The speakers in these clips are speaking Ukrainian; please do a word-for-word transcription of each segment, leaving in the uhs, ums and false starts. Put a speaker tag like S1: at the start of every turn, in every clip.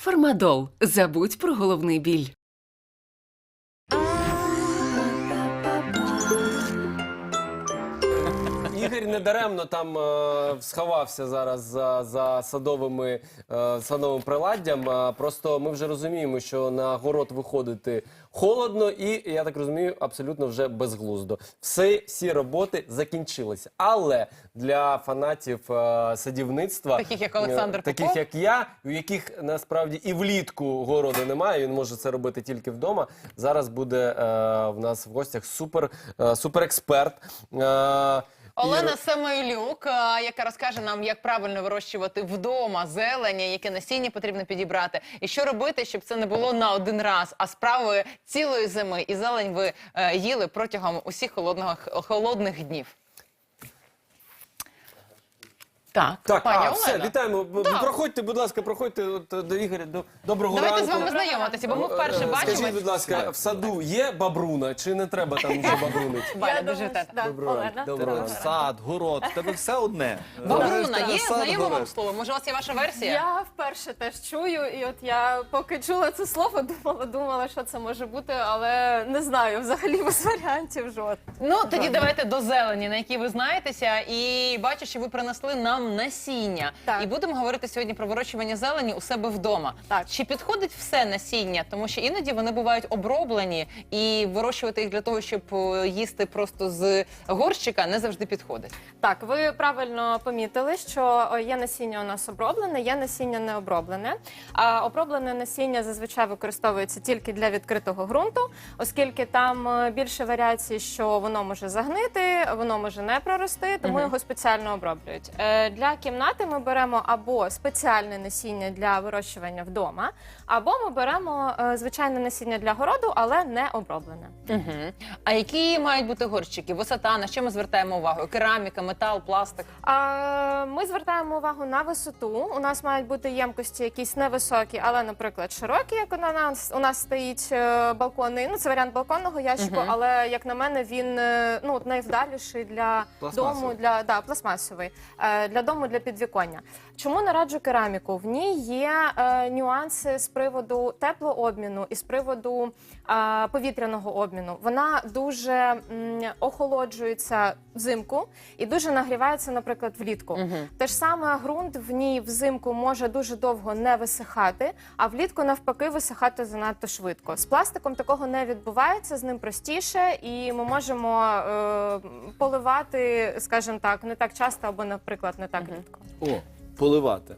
S1: Фармадол. Забудь про головний біль.
S2: Ігор недаремно там е, сховався зараз за, за садовими, е, садовим приладдям. Е, просто ми вже розуміємо, що на город виходити холодно і, я так розумію, абсолютно вже безглуздо. Все, всі роботи закінчилися. Але для фанатів е, садівництва,
S3: Таких, як Олександр
S2: е, таких,
S3: Попов?
S2: як я, у яких насправді і влітку городу немає, він може це робити тільки вдома. Зараз буде е, в нас в гостях супер, е, суперексперт. Е,
S3: Олена
S2: Ігор-
S3: Самойлюк, е, яка розкаже нам, як правильно вирощувати вдома зелення, яке насіння потрібно підібрати, і що робити, щоб це не було на один раз, а справи цілої зими. І зелень ви е, їли протягом усіх холодних, холодних днів. Так,
S2: Так,
S3: пані
S2: а,
S3: Олено.
S2: все, вітаємо.
S3: Так.
S2: Проходьте, будь ласка, проходьте от, до Ігоря. До, доброго
S3: Давайте
S2: ранку.
S3: з вами знайомитися, бо ми вперше
S2: Е,
S3: бачимо.
S2: Скажіть, будь ласка, в саду є бабруна, чи не треба там вже бабрунити?
S3: Валя,
S4: Я
S3: дуже
S4: думаю,
S3: вітаю.
S4: що да.
S2: Доброго ранку.
S4: Олена.
S2: Доброго ранку.
S5: Сад, город, в тебе все одне.
S3: Бабруна, є
S5: Сад,
S3: знайоме вам
S5: город.
S3: слово? Може, у вас є ваша версія?
S4: Я вперше теж чую, і от я поки чула це слово, думала, думала, що це може бути, але не знаю, взагалі без варіантів жодних.
S3: Ну, тоді давайте до зелені, на якій ви знаєтеся, і бачу, що ви принесли нам насіння.
S4: Так.
S3: І будемо говорити сьогодні про вирощування зелені у себе вдома.
S4: Так.
S3: Чи підходить все насіння? Тому що іноді вони бувають оброблені, і вирощувати їх для того, щоб е, їсти просто з горщика, не завжди підходить.
S4: Так, ви правильно помітили, що о, є насіння у нас оброблене, є насіння не оброблене. А оброблене насіння зазвичай використовується тільки для відкритого ґрунту, оскільки там е, більше варіацій, що воно може загнити, воно може не прорости, тому
S3: Мгм.
S4: його спеціально оброблюють. Е, Для кімнати ми беремо або спеціальне насіння для вирощування вдома, або ми беремо е, звичайне насіння для городу, але не оброблене.
S3: Угу. А які мають бути горщики? Висота, на що ми звертаємо увагу? Кераміка, метал, пластик?
S4: А, Ми звертаємо увагу на висоту. У нас мають бути ємкості якісь невисокі, але, наприклад, широкі, як у нас, у нас стоїть е, балконний. Ну, це варіант балконного ящику,
S3: Мгм.
S4: але, як на мене, він е, ну, найвдаліший для
S5: Пластмасовий.
S4: дому, для, да, пластмасовий, е, для дому, для підвіконня. Чому не раджу кераміку? В ній є е, нюанси з приводу теплообміну і з приводу е, повітряного обміну. Вона дуже м, охолоджується взимку і дуже нагрівається, наприклад, влітку.
S3: Мгм.
S4: Те ж саме ґрунт в ній взимку може дуже довго не висихати, а влітку навпаки висихати занадто швидко. З пластиком такого не відбувається, з ним простіше, і ми можемо е, поливати, скажімо так, не так часто або, наприклад, не так
S3: Мгм.
S4: рідко.
S5: О, поливати.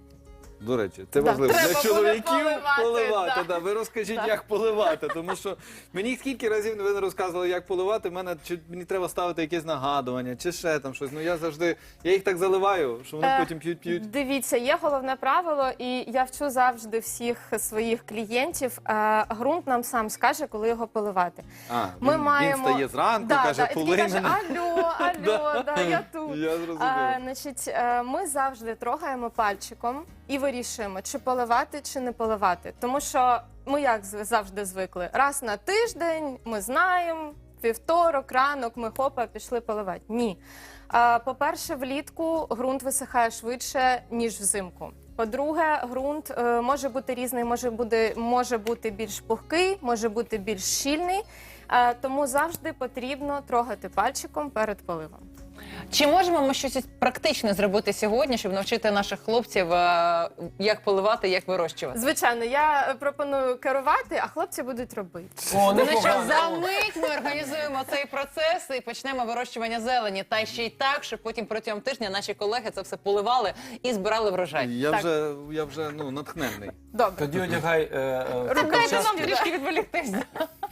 S5: До речі, це
S4: Да,
S5: важливо.
S4: треба
S5: Для
S4: буде
S5: чоловіків
S4: поливати,
S5: поливати.
S4: да.
S5: Да. Ви розкажіть,
S4: Да.
S5: як поливати. Тому що мені скільки разів ви не розказували, як поливати, мене чи мені треба ставити якесь нагадування, чи ще там щось. Ну я завжди, я їх так заливаю, що вони
S4: Е,
S5: потім п'ють-п'ють.
S4: Дивіться, є головне правило, і я вчу завжди всіх своїх клієнтів. Е, ґрунт нам сам скаже, коли його поливати.
S5: А,
S4: Ми
S5: він,
S4: маємо
S5: він стає зранку,
S4: да,
S5: каже,
S4: да, і такий
S5: полий
S4: каже,
S5: мене.
S4: алло, алло, да, я тут.
S5: Я зрозумів.
S4: А, значить, е, ми завжди трогаємо пальчиком і вирішуємо, чи поливати, чи не поливати. Тому що ми як зв- завжди звикли. Раз на тиждень ми знаємо, вівторок, ранок, ми хопа, пішли поливати. Ні. А, По-перше, влітку ґрунт висихає швидше, ніж взимку. По-друге, ґрунт е, може бути різний, може бути, може бути більш пухкий, може бути більш щільний. Е, тому завжди потрібно трогати пальчиком перед поливом.
S3: Чи можемо ми щось практичне зробити сьогодні, щоб навчити наших хлопців, е, як поливати, як вирощувати?
S4: Звичайно, я е, пропоную керувати, а хлопці будуть робити.
S2: О,
S3: Ну що,
S2: непогано.
S3: за мить ми організуємо цей процес і почнемо вирощування зелені. Та ще й так, щоб потім протягом тижня наші колеги це все поливали і збирали врожай.
S5: Я
S4: Так.
S5: вже, я вже ну, натхненний.
S4: Добре.
S2: Тоді одягай е, е,
S3: Дайте
S2: перчатки.
S3: нам трішки відволіктися.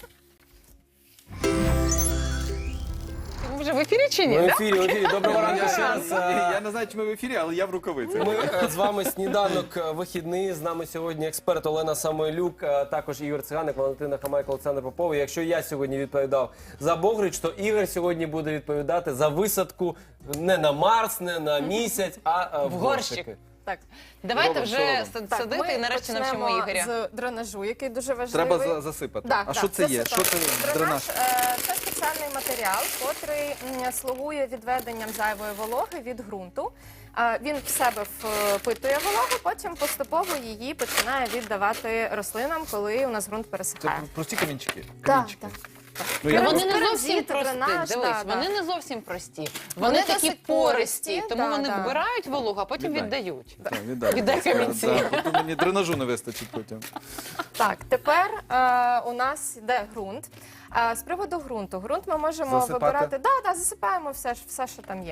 S3: Ви вже в ефірі чи ні?
S2: Ми в
S3: да?
S2: ефірі, в ефірі. Доброго ранку
S5: Я,
S2: ще раз. е,
S5: я не знаю, чи ми в ефірі, але я в рукавицях.
S2: Ми е, з вами сніданок е, вихідний. З нами сьогодні експерт Олена Самойлюк, е, також Ігор Циганик, Валентина Хамайко, Олександр Попов. І якщо я сьогодні відповідав за Богрич, то Ігор сьогодні буде відповідати за висадку не на Марс, не на місяць, а е, в
S3: В горщик.
S2: горщики.
S4: Так.
S3: Давайте
S5: Робимо,
S3: вже
S5: що робимо?
S3: сад-
S4: Так,
S3: садити
S4: ми
S3: і нарешті навчимо
S4: почнемо
S3: Ігоря.
S4: з дренажу, який дуже важливий.
S5: Треба за- засипати.
S4: Так,
S5: а
S4: так,
S5: що це є?
S4: засипаємо.
S5: Що це дренаж?
S4: е, Це спеціальний матеріал, котрий м, слугує відведенням зайвої вологи від ґрунту. Е, Він в себе впитує вологу, потім поступово її починає віддавати рослинам, коли у нас ґрунт
S5: Це
S4: пересихає.
S5: прості камінчики.
S4: Так,
S5: камінчики.
S4: так.
S5: Ну, я
S3: Вони
S5: просто-
S3: не зовсім
S4: Керамзит,
S3: прості.
S4: дренаж,
S3: Дивись,
S4: да,
S3: вони
S4: да.
S3: не зовсім прості.
S4: Вони
S3: Вони такі
S4: досить
S3: пористі,
S4: пористі,
S3: тому
S4: да,
S3: вони
S4: да.
S3: вбирають вологу, а потім
S5: Віддай.
S3: віддають.
S5: Так, віддай.
S3: Віддай
S5: будь ласка.
S3: камінці.
S5: Так, потім мені дренажу не вистачить потім.
S4: Так, тепер е, у нас йде ґрунт. Е, з приводу ґрунту. Ґрунт ми можемо
S5: Засипати?
S4: вибирати. Да, да, засипаємо все, ж- все, що там є.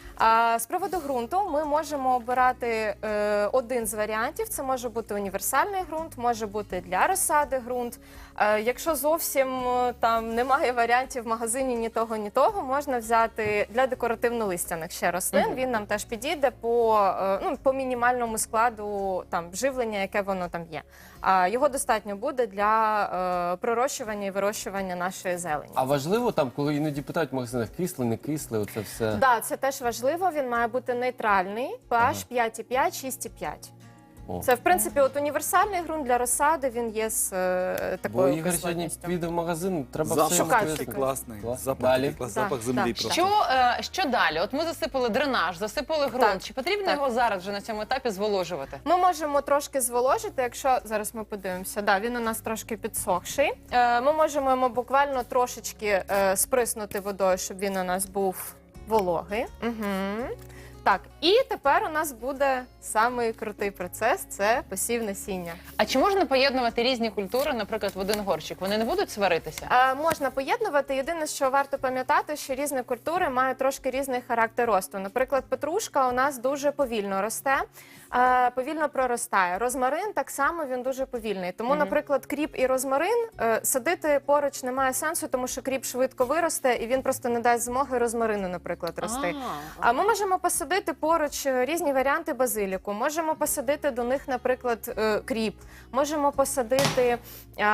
S4: А з приводу ґрунту ми можемо обирати е, один з варіантів. Це може бути універсальний ґрунт, може бути для розсади ґрунт. Е, якщо зовсім е, там немає варіантів в магазині ні того, ні того, можна взяти для декоративно-листяних ще рослин. Він нам теж підійде по, е, ну, по мінімальному складу там живлення, яке воно там є. А його достатньо буде для е, пророщування і вирощування нашої зелені.
S2: А важливо там, коли іноді питають в магазинах, кисле, не кисле, оце все.
S4: Так, да, це теж важливо. Він має бути нейтральний, pH п'ять і п'ять, шість і п'ять.
S2: О.
S4: Це, в принципі, от універсальний ґрунт для розсади, він є з е,
S2: Бо
S4: такою
S2: Ігор сьогодні
S4: кислотністю.
S2: піде в магазин, треба
S5: Запах
S2: все
S4: Шукати
S5: такий
S4: щось.
S5: класний.
S2: Клас.
S5: Запах
S2: Далі.
S5: такий клас-
S4: Да,
S5: запах землі
S4: да.
S5: просто.
S3: Що, е, що далі? От ми засипали дренаж, засипали ґрунт.
S4: Так,
S3: Чи потрібно
S4: так.
S3: його зараз вже на цьому етапі зволожувати?
S4: Ми можемо трошки зволожити, якщо зараз ми подивимося. Да, він у нас трошки підсохший. Е, ми можемо йому буквально трошечки е, сприснути водою, щоб він у нас був вологий. Угу. Так, і тепер у нас буде самий крутий процес – це посів насіння.
S3: А чи можна поєднувати різні культури, наприклад, в один горщик? Вони не будуть сваритися?
S4: Е, можна поєднувати. Єдине, що варто пам'ятати, що різні культури мають трошки різний характер росту. Наприклад, петрушка у нас дуже повільно росте, е, повільно проростає. Розмарин так само, він дуже повільний. Тому, наприклад, кріп і розмарин е, садити поруч немає сенсу, тому що кріп швидко виросте і він просто не дасть змоги розмарину, наприклад, рости.
S3: А,
S4: А ми можемо посадити поруч е, різні варіанти базиліку. Можемо посадити до них, наприклад, е, кріп. Можемо посадити е,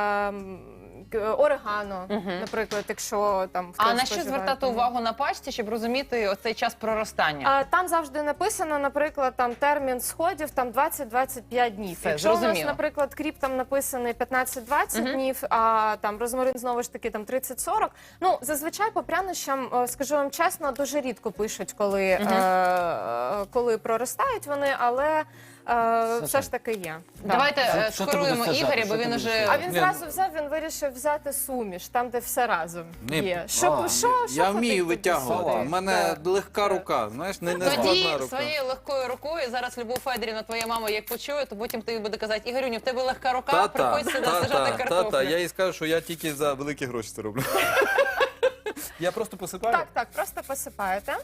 S4: м, к- орегано, наприклад, якщо там хтось
S3: А на що
S4: споживає.
S3: звертати увагу на пачці, щоб розуміти оцей час проростання?
S4: А, там завжди написано, наприклад, там термін сходів там двадцять-двадцять п'ять днів.
S3: Все,
S4: Якщо у нас,
S3: зрозуміло.
S4: наприклад, кріп там написаний п'ятнадцять-двадцять днів, а там розмарин знову ж таки там тридцять-сорок. Ну, зазвичай по прянощам, е, скажу вам чесно, дуже рідко пишуть, коли, е, е, коли проростають вони, але е, все ж таки є. Да.
S3: Давайте
S2: Що-
S3: е,
S2: що ти
S3: скоруємо
S2: будеш саджати?
S3: Ігоря, бо
S2: Що ти
S3: він
S2: будеш
S3: уже...
S2: саджати?
S4: А він
S5: Ні,
S4: зразу взяв, він вирішив взяти суміш, там, де все разом
S5: Ні,
S4: є. Що,
S2: а,
S4: що, що
S5: Я
S4: хотів
S5: вмію
S4: туди
S5: витягувати.
S4: сюди?
S5: У мене
S4: Так.
S5: легка рука, знаєш, не, не
S3: Тоді
S5: складна рука.
S3: своєю легкою рукою, зараз Любов Федорівна, твоя мама, як почує, то потім ти буде казати, Ігорюню, в тебе легка рука,
S5: Та-та,
S3: приходь сюди сажати
S5: та-та,
S3: картоплю.
S5: та-та, я їй скажу, що я тільки за великі гроші це роблю. Я просто посипаю.
S4: Так, так, просто посипаєте.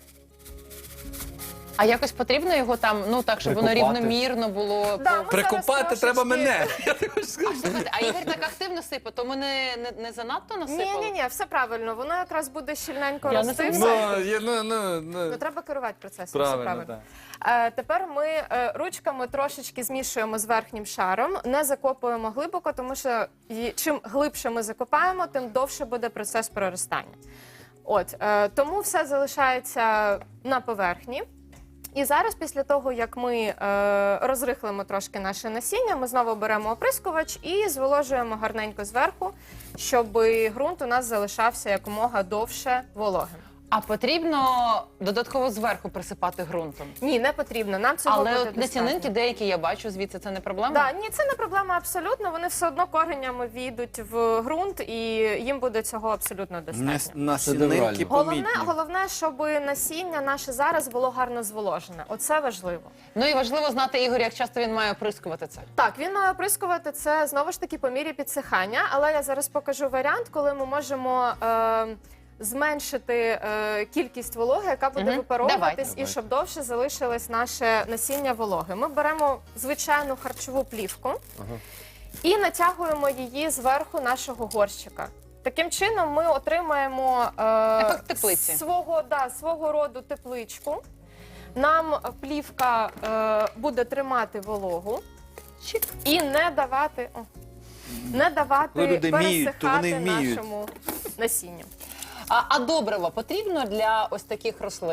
S3: А якось потрібно його там, ну так, щоб воно
S2: Прикопати?
S3: рівномірно було.
S4: Да, ми
S5: Прикопати
S4: зараз
S5: треба
S4: трошечки-
S5: мене. Я так хочу сказати.
S3: Слухайте, а Ігор так активно сипе, то ми не, не, не занадто насипали?
S4: Ні, ні, ні, все правильно. Воно якраз буде щільненько
S3: Я не
S4: рости.
S3: сумніваюся.
S4: все.
S5: Ну, я- ну, ну, ну.
S4: Ну, треба керувати процесом. все
S5: Правильно,
S4: правильно.
S5: так.
S4: Е, тепер ми е, ручками трошечки змішуємо з верхнім шаром, не закопуємо глибоко, тому що і- чим глибше ми закопаємо, тим довше буде процес проростання. От, е, тому все залишається на поверхні. І зараз, після того, як ми е, розрихлимо трошки наше насіння, ми знову беремо оприскувач і зволожуємо гарненько зверху, щоб ґрунт у нас залишався якомога довше вологим.
S3: А потрібно додатково зверху присипати ґрунтом?
S4: Ні, не потрібно. Нам цього
S3: Але
S4: буде
S3: от насінинки
S4: достатньо.
S3: деякі я бачу звідси, це не проблема?
S4: Да, ні, це не проблема абсолютно. Вони все одно коренями війдуть в ґрунт, і їм буде цього абсолютно достатньо.
S5: Насінинки
S2: Шедеврально.
S4: Головне,
S5: помітні.
S4: головне, щоб насіння наше зараз було гарно зволожене. Оце важливо.
S3: Ну і важливо знати, Ігор, як часто він має оприскувати це.
S4: Так, він має оприскувати це знову ж таки по мірі підсихання, але я зараз покажу варіант, коли ми можемо е, зменшити е, кількість вологи, яка буде
S3: Мгм.
S4: випаровуватись,
S3: Давай.
S4: і щоб довше залишилось наше насіння вологи. Ми беремо звичайну харчову плівку і натягуємо її зверху нашого горщика. Таким чином ми отримаємо е,
S3: Ефект теплиці.
S4: свого, да, свого роду тепличку. Нам плівка е, буде тримати вологу і не давати, о, не давати
S5: Коли люди вміють, то вони
S4: пересихати
S5: вміють.
S4: нашому насінню.
S3: А, а добриво потрібно для ось таких рослин?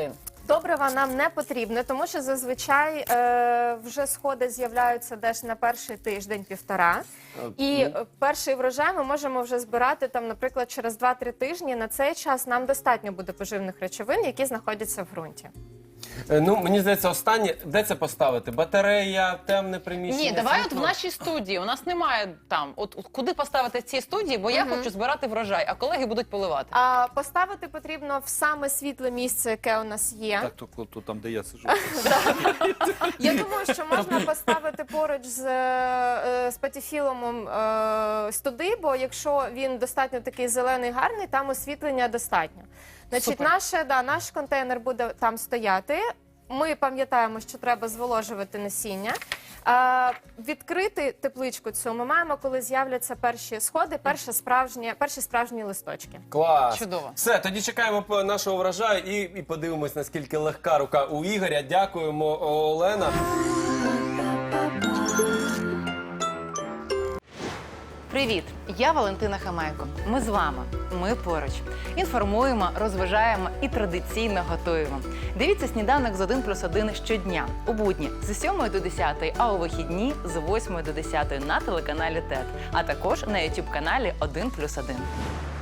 S4: Добрива нам не потрібне, тому що зазвичай е, вже сходи з'являються десь на перший тиждень-півтора. І е, перший врожай ми можемо вже збирати, там, наприклад, через два-три тижні. На цей час нам достатньо буде поживних речовин, які знаходяться в ґрунті.
S2: Е, Ну, мені здається, останнє, де це поставити? Батарея, темне приміщення?
S3: Ні, давай от в
S2: світло?
S3: нашій студії. У нас немає там. От, от куди поставити в цій студії, бо я хочу збирати врожай, а колеги будуть поливати.
S4: А поставити потрібно в саме світле місце, яке у нас є.
S5: Так, то, то, то там, де я сижу.
S4: Я думаю, що можна поставити поруч з, е, з патіфілумом е, студи, бо якщо він достатньо такий зелений, гарний, там освітлення достатньо. Значить,
S3: Супер.
S4: наше, да, наш контейнер буде там стояти. Ми пам'ятаємо, що треба зволожувати насіння. Е, відкрити тепличку цю ми маємо, коли з'являться перші сходи, перші справжні, перші справжні листочки.
S2: Клас.
S3: Чудово.
S2: Все, тоді чекаємо по- нашого врожаю і, і подивимось, наскільки легка рука у Ігоря. Дякуємо, Олена.
S3: Привіт! Я Валентина Хамайко. Ми з вами. Ми поруч. Інформуємо, розважаємо і традиційно готуємо. Дивіться сніданок з один плюс один щодня. У будні з сьомої до десятої, а у вихідні з восьмої до десятої на телеканалі ТЕТ. А також на ютуб каналі один плюс один.